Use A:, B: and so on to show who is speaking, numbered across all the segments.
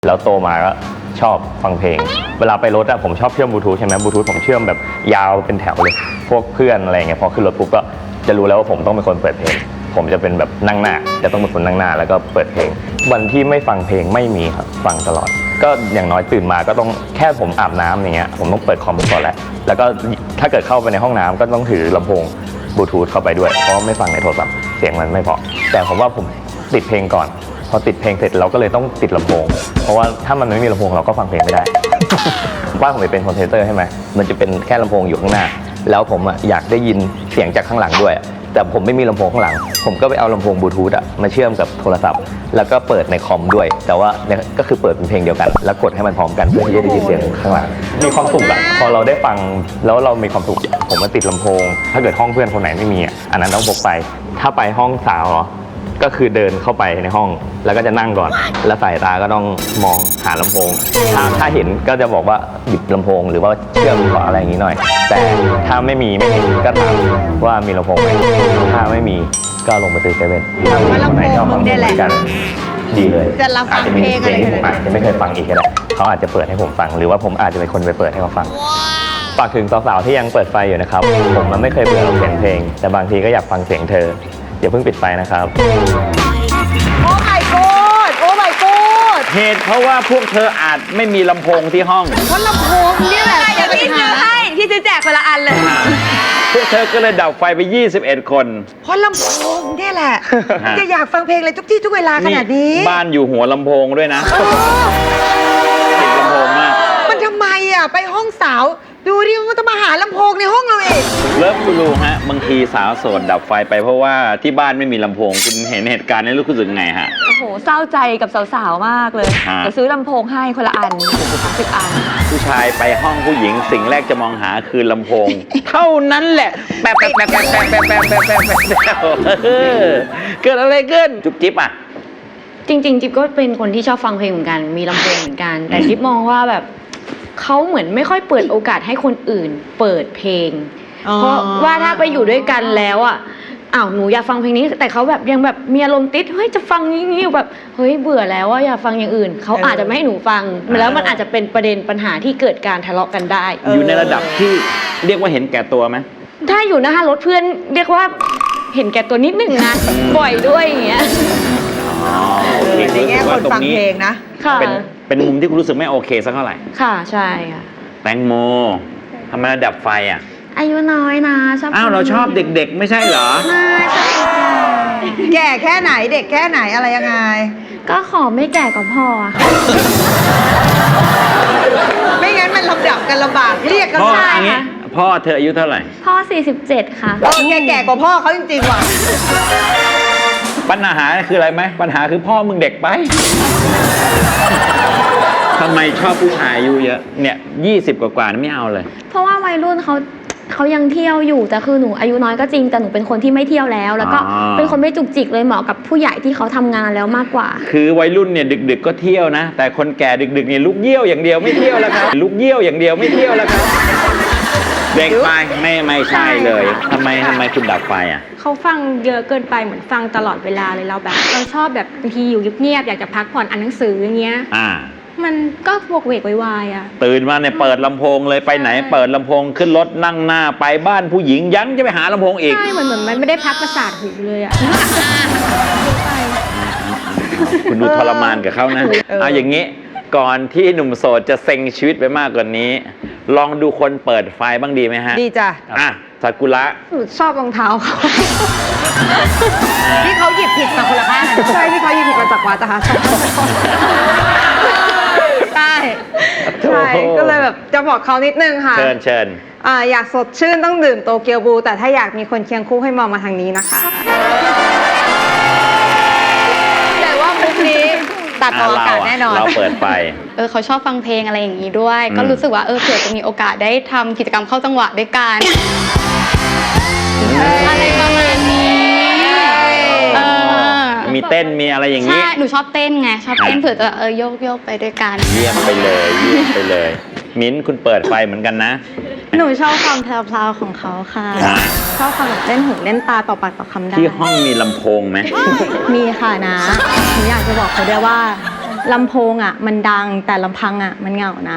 A: แล้วโตมาก็ชอบฟังเพลงเวลาไปรถอะผมชอบเชื่อมบลูทูธใช่ไหมบลูทูธผมเชื่อมแบบยาวเป็นแถวเลยพวกเพื่อนอะไรเงี้ยพอขึ้นรถปุ๊บก็จะรู้แล้วว่าผมต้องเป็นคนเปิดเพลงผมจะเป็นแบบนั่งหน้าจะต้องเป็นคนนั่งหน้าแล้วก็เปิดเพลงวันที่ไม่ฟังเพลงไม่มีครับฟังตลอดก็อย่างน้อยตื่นมาก็ต้องแค่ผมอาบน้ำอย่างเงี้ยผมต้องเปิดคอมก่อนแล้วก็ถ้าเกิดเข้าไปในห้องน้ำก็ต้องถือลำโพงบลูทูธเข้าไปด้วยเพราะไม่ฟังในโทรศัพท์เสียงมันไม่พอแต่ผมว่าผมติดเพลงก่อนพอติดเพลงเสร็จเราก็เลยต้องติดลำโพงเพราะว่าถ้ามันไม่มีลำโพงเราก็ฟังเพลงไม่ได้ ว่าผมเป็นคอนเทนเตอร์ใช่ไหมมันจะเป็นแค่ลำโพงอยู่ข้างหน้าแล้วผมอยากได้ยินเสียงจากข้างหลังด้วยแต่ผมไม่มีลำโพงข้างหลังผมก็ไปเอาลำโพงบลูทูธมาเชื่อมกับโทรศัพท์แล้วก็เปิดในคอมด้วยแต่ว่าก็คือเปิดเป็นเพลงเดียวกันแล้วกดให้มันพร้อมกันเพื่อที่จะได้ยินเสียงข้างหลังมีความสุขอะพอเราได้ฟังแล้วเรามีความสุขผมมาติดลำโพงถ้าเกิดห้องเพื่อนคนไหนไม่มีอันนั้นต้องพกไปถ้าไปห้องสาวเหรอก็คือเดินเข้าไปในห้องแล้วก็จะนั่งก่อนแล้วสายตาก็ต้องมองหาลำโพงถ้าเห็นก็จะบอกว่าหยิบลำโพงหรือว่าเชื่อมก่อนอะไรอย่างนี้หน่อยแต่ถ้าไม่เห็นก็ถามว่ามีลำโพงไหมถ้าไม่มีก็ลงไปซื้อเซเว่นถ้ามีคนไหนชอบฟังเพลงเหมือนกันดีเลยอาจจะมีเพลงที่ผมอาจจะไม่เคยฟังอีกก็ได้เขาอาจจะเปิดให้ผมฟังหรือว่าผมอาจจะเป็นคนไปเปิดให้เขาฟังฝากถึงสาวๆที่ยังเปิดไฟอยู่นะครับผมมันไม่เคยเบื่อเสียงเพลงแต่บางทีก็อยากฟังเสียงเธออย่าเพิ่งปิดไฟนะครับ
B: โอ้ my god โอ้ my god
C: เหตุเพราะว่าพวกเธออาจไม่มีลำโพงที่ห้อง
B: เพราะลำโพงนี่แหละ
D: เดี๋ยวพี่ซื้อให้พี่ซื้อแจกคนละอันเลย
C: พวกเธอก็เลยดับไฟไป21 คน
B: เพราะลำโพงนี่แหละจะอยากฟังเพลงอะไรทุกที่ทุกเวลาขนาดนี้
C: บ้านอยู่หัวลำโพงด้วยนะติดลำโพงมาก
B: มันทำไมไปห้องสาวดูดิมันจะมาหาลำโพงในห้องเราเอง
C: เลิฟกูรูฮะบางทีสาวโสดดับไฟไปเพราะว่าที่บ้านไม่มีลำโพงคุณเห็นเหตุการณ์นี้รู้สึกไงฮะ
D: โอ้โหเศร้าใจกับสาวๆมากเลยจะซื้อลำโพงให้คนละอัน30 อัน
C: ผู้ชายไปห้องผู้หญิงสิ่งแรกจะมองหาคือลำโพงเท่านั้นแหละแป๊บเกิดอะไรขึ้นจุ๊บจิ๊บอ่ะ
E: จริงๆจิ๊บก็เป็นคนที่ชอบฟังเพลงเหมือนกันมีลำโพงเหมือนกันแต่จิ๊บมองว่าแบบเขาเหมือนไม่ค่อยเปิดโอกาสให้คนอื่นเปิดเพลงเพราะว่าถ้าไปอยู่ด้วยกันแล้วหนูอยากฟังเพลงนี้แต่เขาแบบยังแบบมีอารมณ์ติดเฮ้ยจะฟังงี้แบบเฮ้ยเบื่อแล้วอยากฟังอย่างอื่นเขาอาจจะไม่ให้หนูฟังแล้วมันอาจจะเป็นประเด็นปัญหาที่เกิดการทะเลาะกันได้
C: อยู่ในระดับที่เรียกว่าเห็นแก่ตัวไหม
E: ถ้าอยู่หน้ารถเพื่อนเรียกว่าเห็นแก่ตัวนิดนึงนะบ่อยด้วยอย่างเงี้ย
B: ในแง่คนฟังเพลงนะ
E: ค่ะ
C: เป็นมุมที่คุณรู้สึกไม่โอเคสักเท่าไหร่
E: ค่ะใช่ค่ะ
C: แตงโมทำไมดับไฟ
E: อายุน้อยนะชอบ
C: เราชอบเด็กๆไม่ใช่เหรอ
E: ไม่ใช่
B: แก่แค่ไหนเด็กแค่ไหนอะไรยังไง
E: ก็ขอไม่แก่กว่าพ่อค่ะ
B: ไม่งั้นมันลำดับกันลำบากเรียกกัน
C: ใช่ค่ะพ่อเธออายุเท่าไหร่
E: พ่อ47ค่ะ
B: แก่กว่าพ่อเขาจริงๆว่ะ
C: ปัญหาคืออะไรไหมปัญหาคือพ่อมึงเด็กไปทำไมชอบผู้ชายอายุเยอะเนี่ย20 กว่าๆไม่เอาเลย
E: เพราะว่าวัยรุ่นเขายังเที่ยวอยู่แต่คือหนูอายุน้อยก็จริงแต่หนูเป็นคนที่ไม่เที่ยวแล้วก็เป็นคนไม่จุกจิกเลยเหมาะกับผู้ใหญ่ที่เขาทำงานแล้วมากกว่า
C: คือวัยรุ่นเนี่ยดึกๆก็เที่ยวนะแต่คนแก่ดึกๆเนี่ยลุกเยี่ยวอย่างเดียวไม่เที่ยวแล้วครับลุกเยี่ยวอย่างเดียวไม่เที่ยวแล้วครับเด็กไปไม่ใช่เลยทำไมคุณดับไฟ
F: เขาฟังเยอะเกินไปเหมือนฟังตลอดเวลาเลยเราชอบแบบบางทีอยู่เงียบๆอยากจะพักผ่อนอ่านหนังสืออย่างเงี้ยมันก็วกเวกวาย
C: ตื่นมาเนี่ยเปิดลำโพงเลยไปไหนเปิดลำโพงขึ้นรถนั่งหน้าไปบ้านผู้หญิงยังจะไปหาลำโพงอีก
F: ใช่เหมือนมันไม่ได้พักประสาทหูเลย
C: คุณดูทรมานกับเขานะเอาอย่างนี้ก่อนที่หนุ่มโสดจะเซ็งชีวิตไปมากกว่านี้ลองดูคนเปิดไฟบ้างดีไหมฮะ
B: ดีจ้ะ
C: ซากุระ
F: ชอบรองเท้าเขา
B: ที่เขาหยิบผิดมาคนละข้างใช่ที่เขาหยิบผิดมาจากวัดนะคะใช่ก็เลยแบบจะบอกเขานิดนึงค่ะ
C: เชิญ
B: อยากสดชื่นต้องดื่มโตเกียวบูแต่ถ้าอยากมีคนเคียงคู่ให้มองมาทางนี้นะคะแต่ว่ามุกนี้ตัดออกอากาศแน่นอน
C: เราเปิดไฟ
E: เขาชอบฟังเพลงอะไรอย่างนี้ด้วยก็รู้สึกว่าเผื่อจะมีโอกาสได้ทำกิจกรรมเข้าจังหวะด้วยกันอะไรประมาณนี้
C: มีเต้นมีอะไรอย่างนี้
E: ใช่หนูชอบเต้นไงชอบเต้นเผื่อจะโยกไปด้วยกัน
C: เยี่ยมไปเลยมิ้นคุณเปิดไฟเหมือนกันนะ
E: หนูชอบความแพรวๆของเขาค่ะชอบความแบบเล่นหูเล่นตาต่อปากต่อคำได้
C: ที่ห้องมีลำโพงไหม
E: มีค่ะนะหนูอยากจะบอกเขาด้วยว่า
F: ลำโพงอ่ะมันดังแต่ลำพังอ่ะมันเหงานะ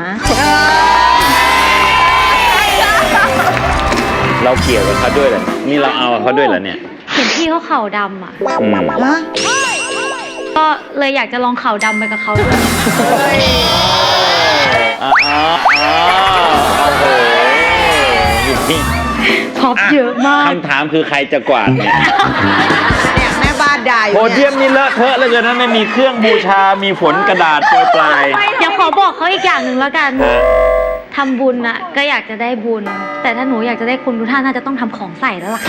C: เราเกี่ยวกับเขาด้วยเหรอนี่เราเอากับเขาด้วยเหรอเนี่ย
E: เห็นพี่เขาเข่าดำอ่ะ
C: อืม
E: ก็เลยอยากจะลองเข่าดำไปกับเขาด้วย
C: อ๋อโอ้โห
E: ท็อปเยอะมาก
C: คำถามคือใครจะกวาดเนี่ย
G: เนี่ยแม่บ้านด่าอยู่
C: โพ
G: เนี่
C: เดียมนี่เลอะเทอะเหลยเกินนะไม่มีเครื่องบูชา มีฝนกระดาษโปรยปลาย
E: เดี๋ยวขอบอกเขาอีกอย่างหนึ่งแล้วกัน ทำบุญอะก็อยากจะได้บุญ แต่ถ้าหนูอยากจะได้คุณทุกท่านน่าจะต้องทำของใส่แล้วล่ะค่ะ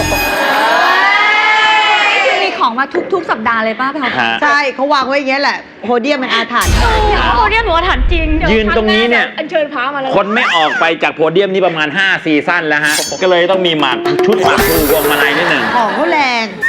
D: คือมีของมาทุกสัปดาห์เลยป้าแพลว
G: ใช่เขาวางไว้อย่างเงี้ยแหละโพเดียมมันอาถรรพ์
E: โอ้เนี่ยหนูว่าถามจริง
C: ยืนตรงนี้เนี่ย
D: อัญเชิญพระมาแล้ว
C: คนไม่ออกไปจากโพเดียมนี่ประมาณ5 ซีซั่นแล้วฮะ ก็เลยต้องมีหมากชุดหมากพลูพวงมาลัยนิดหนึ่ง
G: ของเขาแรง